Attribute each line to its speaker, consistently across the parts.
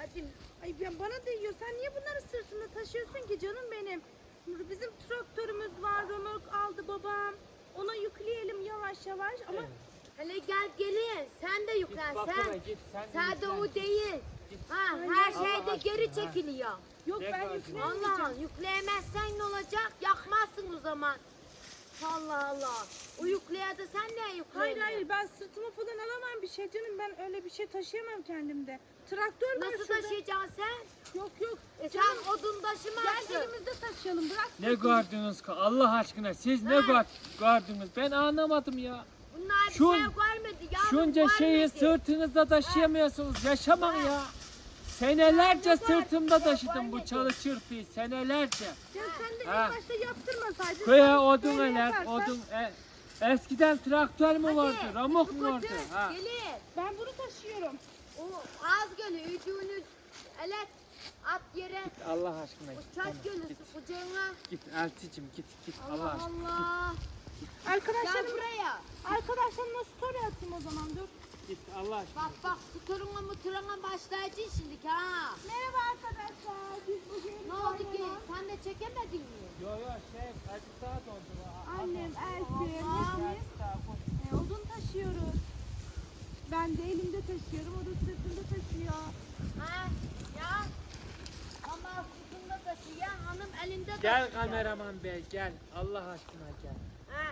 Speaker 1: Ay bana değiyor. Sen niye bunları sırtında taşıyorsun ki canım benim? Bizim traktörümüz var. Römork aldı babam. Ona yükleyelim yavaş yavaş ama
Speaker 2: Hele gelin. Sen de yüklen sen.
Speaker 3: Git,
Speaker 2: Sadece o değil. Ha, her şeyde geri çekiliyor.
Speaker 1: yok
Speaker 3: Ne
Speaker 1: ben
Speaker 3: kadar
Speaker 1: yükleyemeyeceğim.
Speaker 2: Allah yükleyemezsen ne olacak? Yakmazsın o zaman. Allah Allah. O yükleye de sen ne yükleyemezsin?
Speaker 1: Hayır ben sırtıma falan alamam bir şey canım. Ben öyle bir şey taşıyamam kendimde. Traktör var
Speaker 2: Nasıl
Speaker 1: şurada.
Speaker 2: taşıyacaksın sen?
Speaker 1: Yok.
Speaker 2: Sen odun taşımazsın.
Speaker 1: Gel elimizde taşıyalım. Bırak.
Speaker 3: Ne gördünüz ki Allah aşkına siz ne gördünüz ben anlamadım ya.
Speaker 2: Bunlar bir
Speaker 3: Şun-
Speaker 2: şey görmedi yavrum.
Speaker 3: Şunca şeyi
Speaker 2: görmedi.
Speaker 3: sırtınızda taşıyamıyorsunuz yaşamak ya. Senelerce sırtımda taşıdım bu çalı çırpıyı senelerce.
Speaker 1: Ya sen de
Speaker 3: Ha.
Speaker 1: ilk başta yaptırmasaydın.
Speaker 3: Köye
Speaker 1: sen
Speaker 3: odun
Speaker 1: böyle
Speaker 3: eler
Speaker 1: yaparsan-
Speaker 3: odun eskiden traktör mü vardı ramuk mu vardı?
Speaker 2: Götür,
Speaker 3: Ha.
Speaker 2: gelin.
Speaker 1: Ben bunu taşıyorum.
Speaker 2: O az geliyor. Üçünü elet at yere.
Speaker 3: Allah aşkına
Speaker 2: O
Speaker 3: git.
Speaker 2: çay
Speaker 3: tamam,
Speaker 2: gölü
Speaker 3: git,
Speaker 2: su kucağına.
Speaker 3: git Elticim git Allah
Speaker 2: Allah
Speaker 3: aşkına.
Speaker 2: Allah. Gel
Speaker 1: Arkadaşlarım,
Speaker 2: buraya.
Speaker 1: arkadaşlarımla story atayım o zaman dur.
Speaker 3: Git Allah aşkına.
Speaker 2: Bak sıkırına mıtırına başlayacaksın şimdi ha.
Speaker 1: Merhaba arkadaşlar. Biz bugün
Speaker 2: Ne oldu ki? Sen de çekemedin mi?
Speaker 3: Yo azıcık daha dondu.
Speaker 1: Annem, Elfin,
Speaker 2: Allah.
Speaker 1: hepimiz odun taşıyoruz. Ben de elimde taşıyorum, o da sırtında taşıyor.
Speaker 2: Ha? Ya? Ama sırtında taşıyan hanım elinde taşıyor.
Speaker 3: Gel kameraman bey gel Allah aşkına gel.
Speaker 2: Ha?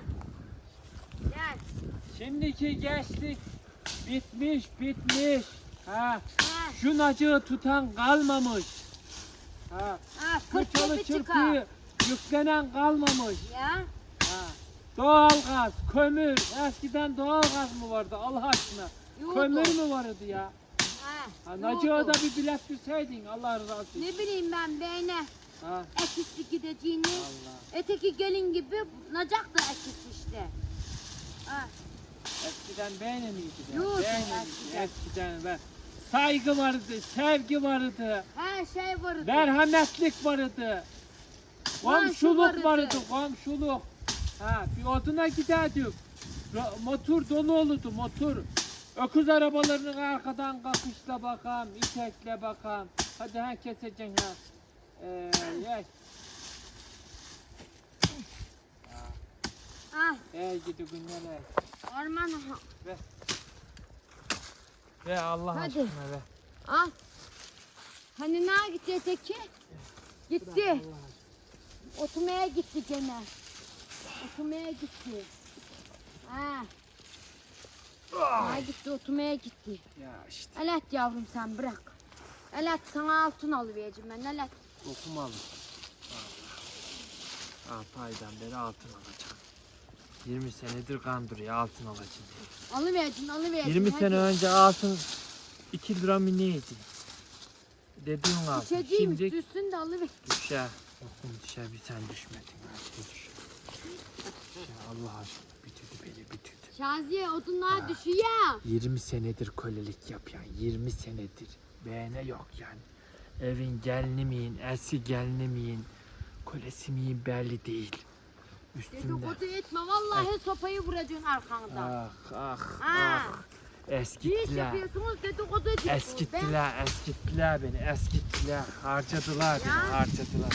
Speaker 2: Gel.
Speaker 3: Şimdiki gençlik bitmiş. Ha.
Speaker 2: Ha?
Speaker 3: Şu nacığı tutan kalmamış. Ha.
Speaker 2: Ha?
Speaker 3: Bu
Speaker 2: 40
Speaker 3: çalı
Speaker 2: yaşı çıkar.
Speaker 3: çırpıyı yüklenen kalmamış.
Speaker 2: Ya?
Speaker 3: Ha. Doğalgaz, kömür. Eskiden doğalgaz mı vardı Allah aşkına?
Speaker 2: Yoğurdu.
Speaker 3: Kömür mü vardı ya?
Speaker 2: Ha?
Speaker 3: Ha,
Speaker 2: yoğurdu.
Speaker 3: nacığa da bir bilet verseydin Allah razı olsun.
Speaker 2: Ne bileyim ben beyne
Speaker 3: Ha.
Speaker 2: ekisi gideceğini.
Speaker 3: Allah.
Speaker 2: Öteki gelin gibi nacak da ekisi işte. Ha?
Speaker 3: Eskiden beğeni miydi ya?
Speaker 2: Yoğurdu
Speaker 3: Beğeni miydi?
Speaker 2: eskiden.
Speaker 3: Eskiden ben. Saygı vardı, sevgi vardı,
Speaker 2: Her şey vardı.
Speaker 3: merhametlik vardı. Komşuluk
Speaker 2: vardı.
Speaker 3: vardı, komşuluk. Ha, bir oduna giderdik. Motor dolu olurdu, motor. Öküz arabalarının arkadan kakışla bakan, itekle bakan. Hadi ha keseceksin ha. Yes.
Speaker 2: Ah,
Speaker 3: Gidi günler ey.
Speaker 2: orman.
Speaker 3: Ve Allah
Speaker 2: Hadi.
Speaker 3: aşkına ve.
Speaker 2: Al. Hani nereye gitti öteki? Gitti. Oturmaya gitti gene. Oturmaya gitti. Ha. Ha gitti oturmaya gitti.
Speaker 3: Ya işte
Speaker 2: Elet yavrum sen bırak. Elet sana altın alıvereceğim ben elet.
Speaker 3: okumalı. Paydan beri altın alacağım. 20 senedir kandırıyor altın alacağım diye.
Speaker 2: Alıvereceğim
Speaker 3: 20
Speaker 2: hadi.
Speaker 3: sene önce altın 2 lira mı neydi? Dediğin altın.
Speaker 2: İçeceğim
Speaker 3: Şimdi
Speaker 2: üstüsün de alıver.
Speaker 3: düşer. Okum düşer bir sen düşmedin. Hadi düşer. Allah aşkına bitirdi.
Speaker 2: Şaziye odunlar düşüyor.
Speaker 3: 20 senedir kölelik yapıyor. 20 senedir. Beğene yok yani. Evin gelini miyim, eski gelini miyim, kölesi miyim belli değil. Üstünde.
Speaker 2: Dedikodu etme vallahi sopayı vuracaksın arkandan.
Speaker 3: Ah.
Speaker 2: Ha. Bir iş
Speaker 3: Eskittiler.
Speaker 2: yapıyorsunuz dedikodu ediyorsunuz.
Speaker 3: Eskittiler beni, eskittiler. Harcadılar beni,
Speaker 2: Ya.
Speaker 3: harcadılar.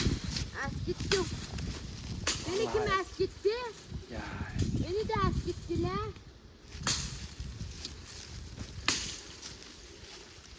Speaker 2: Eskittim. Beni kim eskitti?
Speaker 3: Ya
Speaker 2: Beni de eskittiler.